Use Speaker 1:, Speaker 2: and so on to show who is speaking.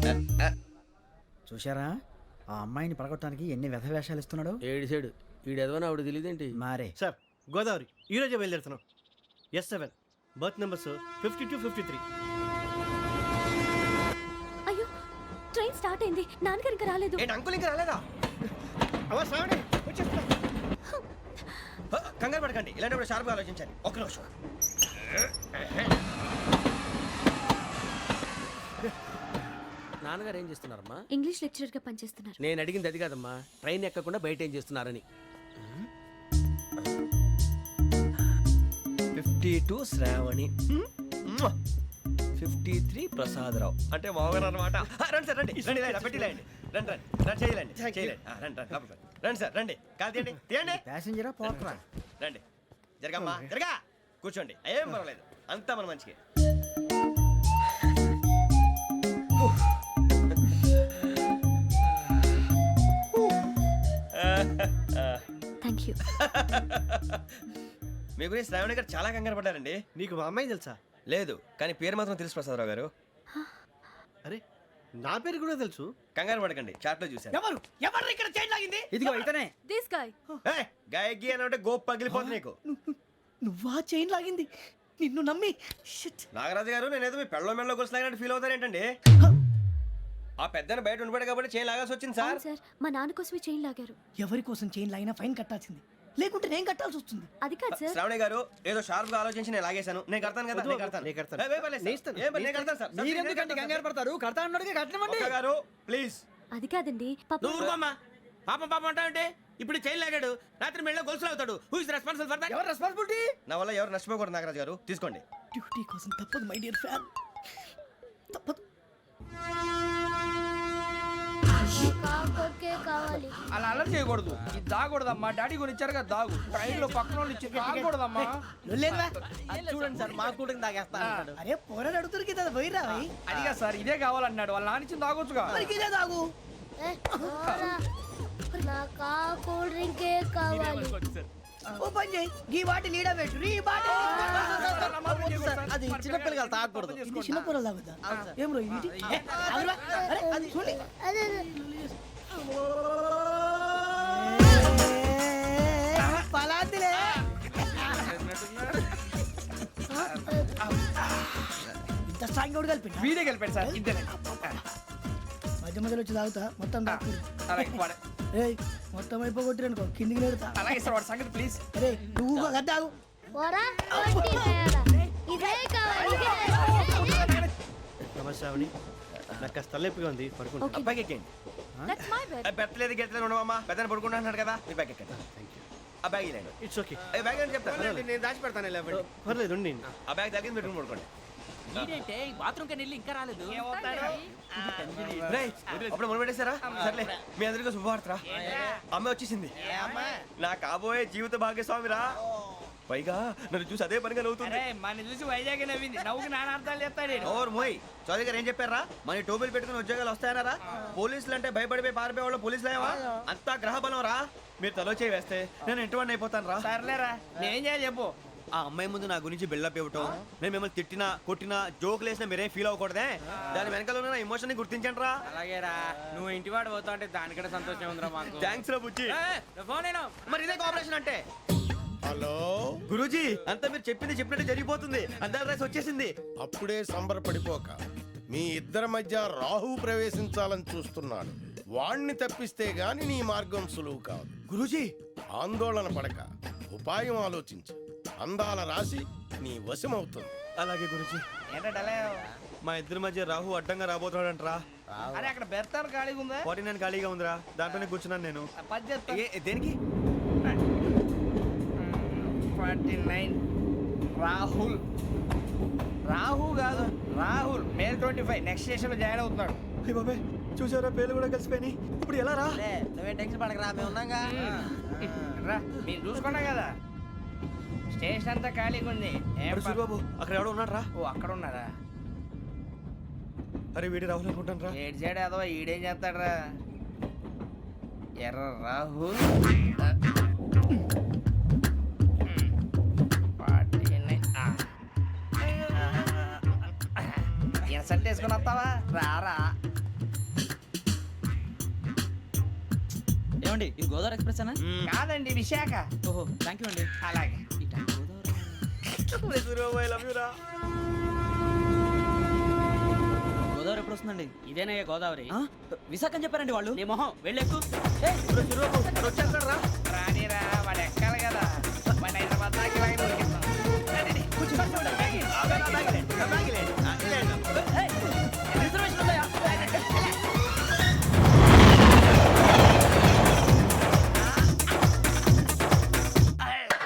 Speaker 1: చూశారా ఆ అమ్మాయిని పడగొట్టడానికి ఎన్ని వ్యధ వేషాలు ఇస్తున్నాడు.
Speaker 2: ఏడు సైడు ఈడెదవని ఆవిడ తెలియదేంటి.
Speaker 1: మారే
Speaker 3: సార్ గోదావరి ఈరోజే బయలుదేరుతున్నాం. S7 berth numbers 52, 53.
Speaker 4: అయ్యో ట్రైన్ స్టార్ట్ అయింది, నాన్నగారు ఇంకా రాలేదు.
Speaker 5: ఏంటి అంకుల్ ఇంకా రాలేదా?
Speaker 3: అవ్వ శ్రావణి వచ్చేస్తున్నా.
Speaker 5: కంగారు పడకండి, ఇలాంటప్పుడు షార్ప్గా ఆలోచించాలి. ఒక్క నిమిషం.
Speaker 2: నాన్నగారు ఏం చేస్తున్నారమ్మా?
Speaker 4: ఇంగ్లీష్ లెక్చరర్ గా పనిచేస్తున్నారు.
Speaker 2: నేను అడిగింది అది కాదమ్మా, ట్రైన్ ఎక్కకుండా బయట ఏం చేస్తున్నారని.
Speaker 5: 52 శ్రావణి, 53 ప్రసాదరావు అంటే మామగారు అనమాట. రండి సార్ రండి రండి, ఇలా పెట్టిలేండి. రండి రండి రండి, చేయలేండి చేయలేండి. రండి రండి లోపలికి రండి. రండి సార్ రండి, కాలు తీయండి తీయండి.
Speaker 1: ప్యాసింజరా పోట్రా.
Speaker 5: రండి జరగమ్మా జరగా, కూర్చోండి. ఏం పర్వాలేదు, అంతా మన మంచిగా.
Speaker 4: Thank you.
Speaker 5: మీ గురించి శ్రావణి గారు చాలా కంగారు పడ్డారండి.
Speaker 3: నీకు మా అమ్మాయి తెలుసా?
Speaker 5: లేదు, కానీ పేరు మాత్రం తెలుసు ప్రసాదరావు గారు.
Speaker 3: అరే నా పేరు కూడా తెలుసు.
Speaker 5: కంగారు పడకండి, చాట్లో చూశాను.
Speaker 3: ఎవరు ఎవరు ఇక్కడ చైన్ లాగింది?
Speaker 1: ఇదిగో ఇతనే.
Speaker 4: This guy.
Speaker 5: గాయకి అని అంటే గోప్ పగిలిపోతుంది నీకు.
Speaker 6: నువ్వా చైన్ లాగింది? నిన్ను నమ్మి షిట్.
Speaker 5: నాగరాజు గారు, నేనేదో మీ పెళ్ళ మెళ్ళ కొలుసులాగినట్టు ఫీల్ అవుతారేంటండి? ఆ పెద్దని బయట ఉండిపోయాడు కాబట్టి చైన్ లాగాల్సి వచ్చింది సార్.
Speaker 4: అవును సార్, మా నాన్న కోసమే చైన్ లాగారు.
Speaker 6: ఎవరి కోసం చైన్ లాగినా ఫైన్ కట్టాల్సింది, లేకుంటే నేను కట్టాల్సి వస్తుంది.
Speaker 4: అది కాదు సార్.
Speaker 5: శ్రావణి గారు ఏదో షార్ప్ గా ఆలోచించి నేను లాగేశాను. నేను కడతాను కదా, నేను కడతాను.
Speaker 3: నేను కడతాను.
Speaker 5: ఏ, పర్లేదు సార్. ఏం పర్లేదు, నేను కడతాను సార్.
Speaker 1: మీరెందుకంటే కంగారు పడతారు? కడతా అన్నాడుగా కట్టమండి.
Speaker 5: ఒక్క గారు ప్లీజ్.
Speaker 4: అది కాదండి పాప.
Speaker 2: నువ్వు ఊరుకోమ్మా. పాపం పాపం అంటావంటే ఇప్పుడు చైన్ లాగాడు, రాత్రి మెళ్ళ గొలుసులు అవుతాడు. Who is responsible for that?
Speaker 1: ఎవరు రెస్పాన్సిబిలిటీ?
Speaker 5: నా వల్ల ఎవరు నష్టపోకూడదు నాగరాజు గారు, తీసుకోండి.
Speaker 6: డ్యూటీ కోసం తప్పదు మై డియర్ ఫ్యాన్, తప్పదు.
Speaker 7: అలా అలర్ట్ చేయకూడదు. ఇది దాగకూడదమ్మా. డాడీ కొని ఇచ్చారు కదా దాగు. ట్రైన్ లో పక్కన వాళ్ళు ఇచ్చి దాగకూడదమ్మా.
Speaker 6: చూడండి సార్, మా కూడా తాగేస్తా. అరే పోరాడు అడుగుతారు కదా, పోయిరా
Speaker 7: అదిగా సార్, ఇదే కావాలన్నాడు. వాళ్ళ నాన్న ఇచ్చింది తాగొచ్చుగా.
Speaker 6: ఇదే తాగు. ఓ పని చేయి, ఈ బాటి లీడ పెట్టు. ఈ బాటి
Speaker 1: అది చిన్నపిల్లలు తాగకూడదు.
Speaker 6: ఇది చిన్న పొరలు తాగుతా. ఏం రో ఇది? అరే అది చూడండి. పలాతిలే. ఇంత స్ట్రాంగ్ కూడా కలిపి
Speaker 7: వీడే గెలిపాడు సార్. ఇద్దరే
Speaker 6: మధ్య మధ్యలో వచ్చి తాగుతా, మొత్తం తాగు.
Speaker 7: అలాగే వాడు.
Speaker 6: ఏయ్ మొత్తం అయిపోగొట్టిరనుకో కిందికి నేడుతా.
Speaker 7: అలాగే సార్, వాడు సంగతి ప్లీజ్.
Speaker 6: అరే నువ్వు కదా తాగు.
Speaker 3: నమస్తే శ్రావణి, నాకు కాస్త తలెప్పిగా ఉంది, పడుకుంటా.
Speaker 4: Okay.
Speaker 5: అబ్బాయికి ఎక్కండి.
Speaker 4: That's my bed.
Speaker 5: పెట్టలేదు గెట్టలేదు ఉండవమ్మా. పెద్దని పడుకుంటున్నాడు కదా, మీ బ్యాగ్ ఎక్కండి. ఆ బ్యాగ్ ఇలాండి.
Speaker 3: It's okay.
Speaker 5: బ్యాగ్ అని చెప్తాను.
Speaker 2: నేను దాచి పెడతాను.
Speaker 3: పర్లేదు ఉండి.
Speaker 5: ఆ బ్యాగ్ తగ్గింది పెట్టుకుని పడుకోండి. రేయ్, అప్పుడు మొదలు పెట్టేశారా? సర్లే, మీ అందరికీ శుభవార్తరా. అమ్మాయి వచ్చేసింది. నా కాబోయే జీవిత భాగ్యస్వామిరా. పైగా నన్ను చూసి అదే పనిగా నవ్వుతుంది.
Speaker 7: మన చూసి వైజాగ్ నవ్వింది. నవ్వుకి నాన్న అర్థాలు చెప్తాడు.
Speaker 5: ఓర్ మోయ్, చౌదరి గారు ఏం చెప్పారా? మన టోబీలు పెట్టుకుని ఉద్యోగాలు వస్తాయనరా? పోలీసులు అంటే భయపడిపోయి పారిపోయే వాళ్ళు పోలీసులు అయ్యవా? అంతా గ్రహ బలం రా. మీరు తలో చేయి వేస్తే నేను ఇంటివాడిని అయిపోతాను రా.
Speaker 7: సర్లేరా, నేనేం చేయాలి చెప్పు.
Speaker 5: ఆ అమ్మాయి ముందు నా గురించి బిల్డప్ ఇవ్వటం, నేను మిమ్మల్ని తిట్టినా కొట్టినా జోకులు వేసినా మీరేం ఫీల్ అవ్వకూడదే. దాని వెనకాల ఉన్న ఎమోషన్ ని గుర్తించండి రా.
Speaker 7: అలాగేరా, నువ్వు ఇంటివాడు పోతా అంటే దానికంటే సంతోషం ఉందిరా మాకు.
Speaker 5: థ్యాంక్స్ రా బుజ్జి.
Speaker 7: ఫోన్ అయినా
Speaker 5: మరి ఇదే కోఆపరేషన్ అంటే.
Speaker 8: హలో
Speaker 5: గురూజీ, అంతా మీరు చెప్పింది చెప్పినట్టు జరిగిపోతుంది. అందాల రైస్ వచ్చేసింది.
Speaker 8: అప్పుడే సంబరపడిపోక, మీ ఇద్దరి మధ్య రాహు ప్రవేశించాలని చూస్తున్నాడు. వాణ్ణి తప్పిస్తే గాని నీ మార్గం సులువు కాదు.
Speaker 5: గురూజీ,
Speaker 8: ఆందోళన పడక, ఉపాయం ఆలోచించు. అందాల రాశి నీ వశమవుతుంది.
Speaker 5: అలాగే గురూజీ.
Speaker 7: ఏంటంటే
Speaker 5: మా ఇద్దరి మధ్య రాహు అడ్డంగా రాబోతున్నాడంట్రా.
Speaker 7: అరే అక్కడ బెర్తాను ఖాళీగా ఉందా?
Speaker 5: 49 ఖాళీగా ఉందిరా, దాంట్లోనే కూర్చున్నాను నేను.
Speaker 7: పది చెప్తా.
Speaker 5: దేనికి?
Speaker 7: 49 రాహుల్. రాహు కాదు, రాహుల్. మే 25 నెక్స్ట్ స్టేషన్ లో జాయిన్ అవుతున్నాడు.
Speaker 5: అయ్య బాబే, చూసారా పేర్లు కూడా కలిసిపోయినాయి. ఇప్పుడు ఎలా రా?
Speaker 1: నువ్వే టెన్షన్ పడకరా, మేము ఉన్నాగా.
Speaker 7: రా, మీరు చూసుకున్నా కదా స్టేషన్ అంతా ఖాళీగా ఉంది. ఏం
Speaker 5: అరే సూరిబాబు, అక్కడ ఎవడో ఉన్నాడు రా.
Speaker 7: ఓ అక్కడ ఉన్నారా?
Speaker 5: అరే వీడి రాహుల్ అనుకుంటాను రా.
Speaker 7: ఏడు సైడ్ అదో ఈడేం చేస్తాడరా? ఎర్ర రాహుల్. ఇన్సల్ట్ వేసుకుని వస్తావా? రారా.
Speaker 6: ఏమండి ఇది గోదావరి ఎక్స్ప్రెస్ అనా?
Speaker 7: కాదండి విశాఖ.
Speaker 6: ఓహో థ్యాంక్ యూ అండి.
Speaker 7: అలాగే.
Speaker 6: ఈ టైం గోదావరి ఎప్పుడు వస్తుందండి?
Speaker 2: ఇదేనయ్య గోదావరి.
Speaker 6: ఆ? విశాఖ అని చెప్పారండి వాళ్ళు.
Speaker 2: నీ మొహం వెళ్ళెక్కు.
Speaker 7: రానిరా వాడు ఎక్కాలి కదా. వాడు హైదరాబాద్ దాకా ఇలాగే దొరికిస్తాం. రండి, కూర్చో, కూర్చోండి, బ్యాగ్ ఇవ్వండి.